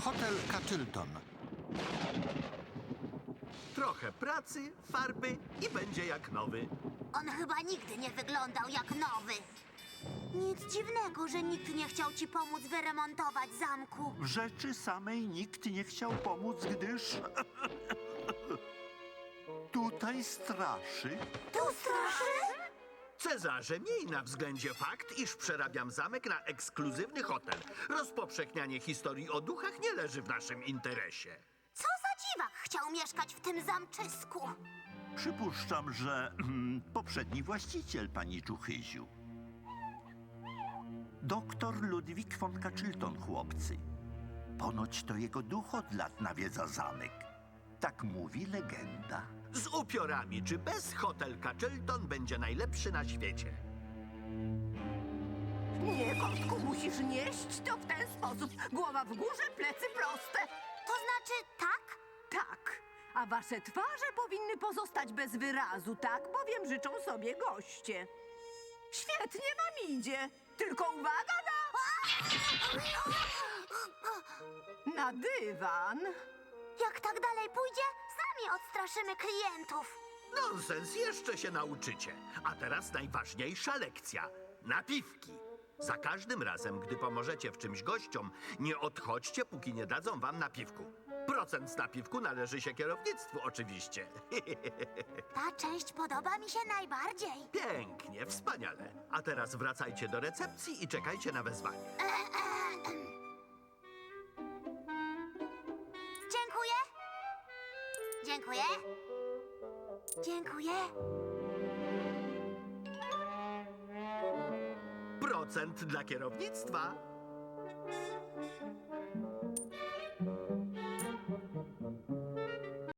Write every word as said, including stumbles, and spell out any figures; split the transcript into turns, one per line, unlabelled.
Hotel Castleton.
Trochę pracy, farby i będzie jak nowy.
On chyba nigdy nie wyglądał jak nowy. Nic dziwnego, że nikt nie chciał ci pomóc wyremontować zamku.
W rzeczy samej nikt nie chciał pomóc, gdyż... tutaj straszy.
Tu straszy?
Cezarze, miej na względzie fakt, iż przerabiam zamek na ekskluzywny hotel. Rozpowszechnianie historii o duchach nie leży w naszym interesie.
Co za dziwak chciał mieszkać w tym zamczysku?
Przypuszczam, że mm, poprzedni właściciel, pani Czuchyziu. Doktor Ludwik von Castleton, chłopcy. Ponoć to jego duch od lat nawiedza zamek. Tak mówi legenda.
Z upiorami, czy bez Hotel Castleton będzie najlepszy na świecie?
Nie, kotku, musisz nieść to w ten sposób. Głowa w górze, plecy proste.
To znaczy tak?
Tak, a wasze twarze powinny pozostać bez wyrazu, tak bowiem życzą sobie goście. Świetnie wam idzie. Tylko uwaga na... na dywan.
Jak tak dalej pójdzie, sami odstraszymy klientów.
Nonsens, jeszcze się nauczycie. A teraz najważniejsza lekcja. Napiwki. Za każdym razem, gdy pomożecie w czymś gościom, nie odchodźcie, póki nie dadzą wam napiwku. Procent z napiwku należy się kierownictwu, oczywiście.
Ta część podoba mi się najbardziej.
Pięknie, wspaniale. A teraz wracajcie do recepcji i czekajcie na wezwanie.
Dziękuję. Dziękuję. Dziękuję.
Procent dla kierownictwa.